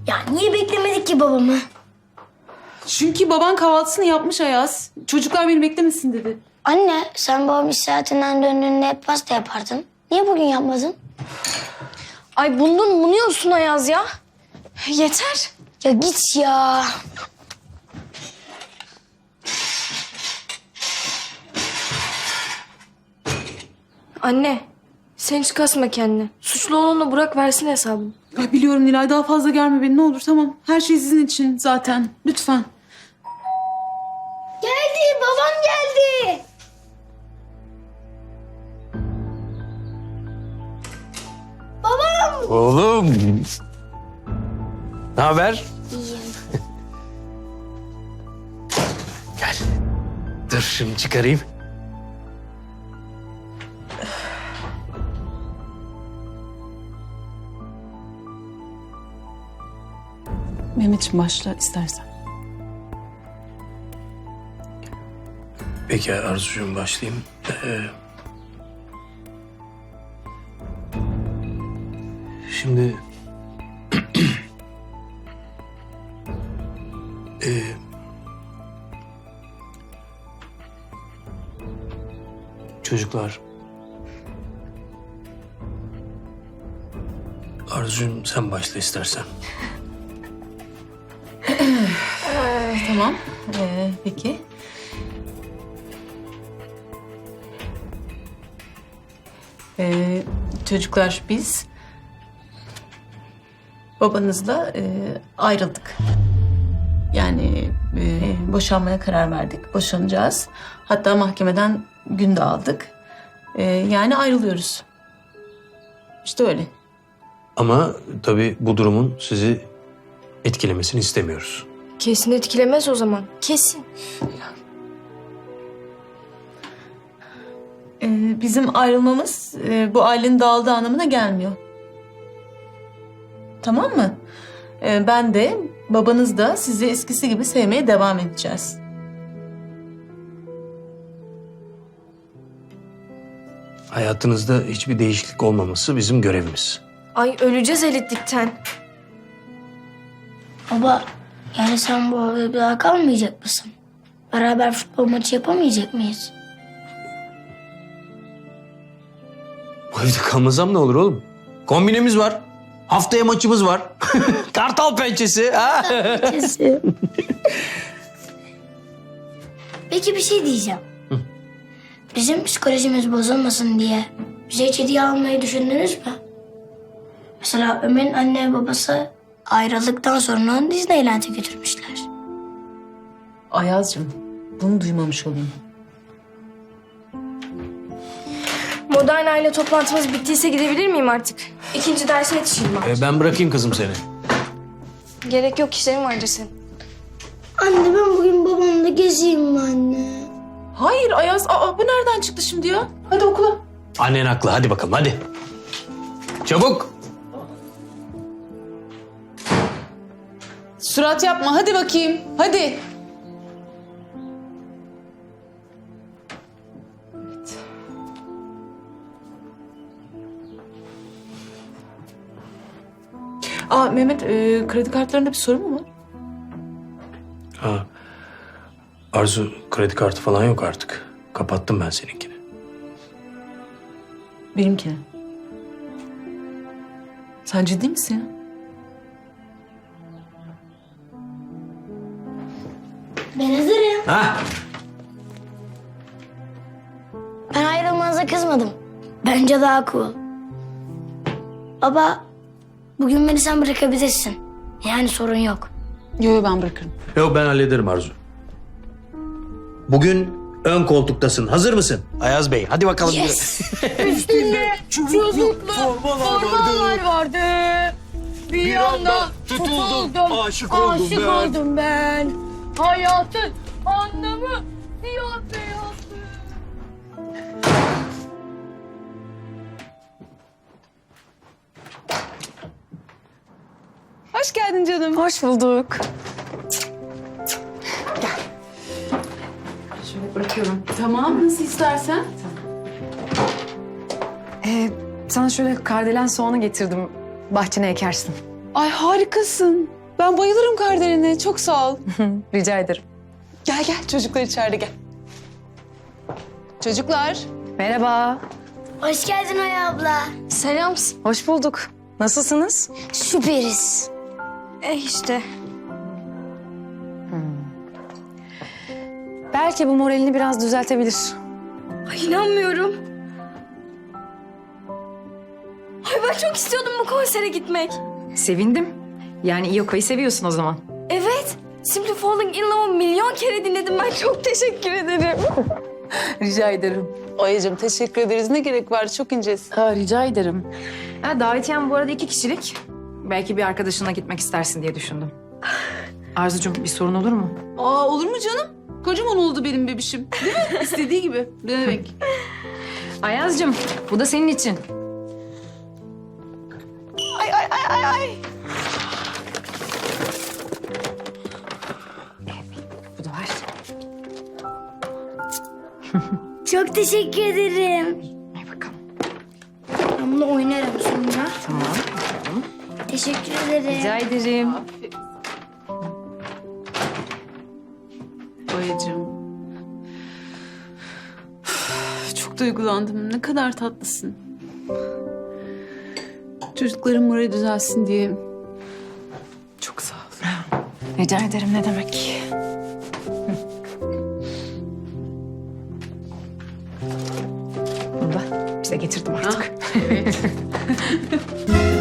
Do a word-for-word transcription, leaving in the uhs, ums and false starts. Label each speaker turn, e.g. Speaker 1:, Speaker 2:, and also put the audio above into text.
Speaker 1: Ya niye beklemedik ki babamı?
Speaker 2: Çünkü baban kahvaltısını yapmış Ayaz. Çocuklar beni beklemesin dedi.
Speaker 1: Anne sen babam iş saatinden döndüğünde hep pasta yapardın. Niye bugün yapmadın?
Speaker 3: Ay bundan bunuyorsun Ayaz ya. Yeter.
Speaker 1: Ya git ya.
Speaker 3: Anne sen hiç kasma kendini. Suçlu olanı bırak versin hesabını.
Speaker 2: Ay biliyorum Nilay, daha fazla germe beni ne olur, tamam. Her şey sizin için zaten. Lütfen.
Speaker 1: Geldi babam geldi. Babam.
Speaker 4: Oğlum. Ne haber?
Speaker 1: İyiyim.
Speaker 4: Gel. Dur şimdi çıkarayım.
Speaker 2: Mehmetciğim başla istersen.
Speaker 4: Peki Arzucuğum başlayayım. Ee, şimdi... ee, çocuklar... Arzucuğum sen başla istersen.
Speaker 2: Tamam. Ee, peki. Ee, çocuklar biz babanızla e, ayrıldık. Yani e, boşanmaya karar verdik. Boşanacağız. Hatta mahkemeden gün de aldık. E, yani ayrılıyoruz. İşte öyle.
Speaker 4: Ama tabii bu durumun sizi etkilemesini istemiyoruz.
Speaker 3: Kesin etkilemez o zaman. Kesin.
Speaker 2: Ee, bizim ayrılmamız e, bu ailenin dağıldığı anlamına gelmiyor. Tamam mı? Ee, ben de babanız da sizi eskisi gibi sevmeye devam edeceğiz.
Speaker 4: Hayatınızda hiçbir değişiklik olmaması bizim görevimiz.
Speaker 3: Ay öleceğiz elitlikten.
Speaker 1: Baba yani sen bu evde bir daha kalmayacak mısın? Beraber futbol maçı yapamayacak mıyız?
Speaker 4: Bu evde kalmasam ne olur oğlum? Kombinemiz var. Haftaya maçımız var. Kartal pençesi. Ha?
Speaker 1: Kesin. Peki bir şey diyeceğim. Bizim psikolojimiz bozulmasın diye bize hiç hediye almayı düşündünüz mü? Mesela Ömer'in anne ve babası ayrıldıktan sonra onu Disneyland'e götürmüşler.
Speaker 2: Ayaz'cığım bunu duymamış olayım.
Speaker 3: Modern aile toplantımız bittiyse gidebilir miyim artık? İkinci derse yetişeyim ben.
Speaker 4: Ee, ben bırakayım kızım seni.
Speaker 3: Gerek yok, işlerim vardır senin.
Speaker 1: Anne ben bugün babamla gezeyim mi anne?
Speaker 2: Hayır Ayaz, aa, bu nereden çıktı şimdi ya? Hadi okula.
Speaker 4: Annen haklı. Hadi bakalım hadi. Çabuk.
Speaker 2: Surat yapma, hadi bakayım. Hadi. Aa Mehmet, e, kredi kartlarında bir sorun mu var?
Speaker 4: Ha. Arzu kredi kartı falan yok artık. Kapattım ben seninkini.
Speaker 2: Benimkine. Sen ciddi misin ya?
Speaker 1: Ben hazırım.
Speaker 4: Ha?
Speaker 1: Ben ayrılmanıza kızmadım. Bence daha cool. Baba, bugün beni sen bırakabilirsin. Yani sorun yok.
Speaker 2: Yo yo ben bırakırım.
Speaker 4: Yok ben hallederim Arzu. Bugün ön koltuktasın. Hazır mısın? Ayaz Bey hadi bakalım.
Speaker 1: Yes.
Speaker 3: Formalar vardı. Bir anda tutuldum.
Speaker 5: Aşık oldum
Speaker 3: Aşık
Speaker 5: ben.
Speaker 3: oldum ben. Hayatın anlamı siyah beyazdı.
Speaker 2: Hoş geldin canım.
Speaker 3: Hoş bulduk.
Speaker 2: Şöyle bırakıyorum. Tamam, nasıl istersen.
Speaker 6: Ee, sana şöyle kardelen soğanı getirdim. Bahçene ekersin.
Speaker 2: Ay harikasın.
Speaker 5: Ben bayılırım kardelen'e. Çok sağ ol.
Speaker 6: Rica ederim.
Speaker 5: Gel gel çocuklar içeride gel. Çocuklar.
Speaker 6: Merhaba.
Speaker 1: Hoş geldin Oya abla.
Speaker 3: Selam.
Speaker 6: Hoş bulduk. Nasılsınız?
Speaker 1: Süperiz.
Speaker 3: E işte.
Speaker 6: Belki bu moralini biraz düzeltebilir.
Speaker 3: Ay inanmıyorum. Ay ben çok istiyordum bu konsere gitmek.
Speaker 6: Sevindim. Yani Iyoka'yı seviyorsun o zaman.
Speaker 3: Evet. Simply Falling in Love'ı milyon kere dinledim ben. Çok teşekkür ederim.
Speaker 5: Rica ederim. Oya'cığım teşekkür ederiz. Ne gerek var? Çok incesin.
Speaker 6: Ha, rica ederim. Ha, davetiyem bu arada iki kişilik. Belki bir arkadaşına gitmek istersin diye düşündüm. Arzucuğum bir sorun olur mu?
Speaker 5: Aa olur mu canım? Kocaman oldu benim bebişim. Değil mi? İstediği gibi. Ne demek?
Speaker 6: Ayaz'cığım bu da senin için. Bu da var.
Speaker 1: Çok teşekkür ederim.
Speaker 6: Ay bakalım.
Speaker 1: Ben bunu oynarım sonra.
Speaker 6: Tamam.
Speaker 1: Teşekkür ederim.
Speaker 6: Rica ederim.
Speaker 5: Oya'cığım. Üf, çok duygulandım. Ne kadar tatlısın. Çocukların morali düzelsin diye. Çok sağ ol.
Speaker 6: Rica ederim ne demek. Bunu da bize getirdim artık.
Speaker 5: Evet.